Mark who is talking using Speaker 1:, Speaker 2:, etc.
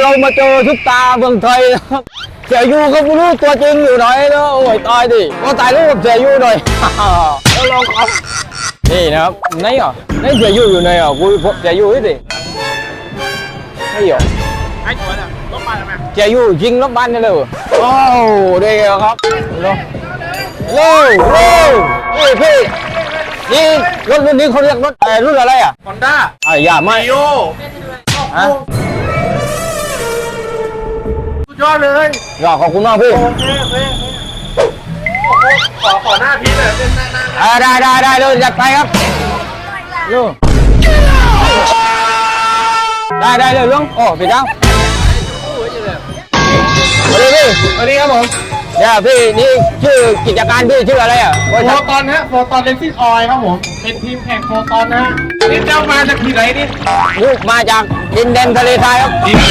Speaker 1: เรามาเจอซุปตาเมืองไทยนะครับเสียยูก็ไม่รู้ตัวจริงอยู่ไหนนะโอ้ยตายดิก็ถ่ายรูปกับเสียยูหน่อยแล้วลองครับนี่นะครับไหนอ่ะไหนเสียยูอยู่ไหนอ่ะกูเสียยูดิไม่หรอ
Speaker 2: ไอ้ตัวเนี่ยรถมาทำไม
Speaker 1: เสียยูยิงรถบ้านนี่เลยโอ้เด็กครับเร็วเร็วพี่นี่รถรุ่นนี้เขาเรียกรถรุ่นอะไรอ่ะ
Speaker 2: ฮอนด้า
Speaker 1: อย่าไม่
Speaker 2: โยสุดยอดเลย
Speaker 1: อย่าขอบคุณมากพี่
Speaker 2: โอเคขอหน้าพีเลยเป็นหน้า
Speaker 1: ได้เลยจัดไปครับลูกได้เลยลุงโอ้พี่เจ้าสวัสดีพี่สวัสดีครับผมเนี่ยพี่นี่ชื่อกิจการพี่ชื่ออะไรอ่ะ
Speaker 2: โฟตอนฮะโฟตอนเลนซิ่งออยครับผมเป็นทีมแข่งโฟตอนนะฮะนี่เจ้ามาจากที่ไหนนี่
Speaker 1: ลูกมาจากดินแดนทะเลทรายครับ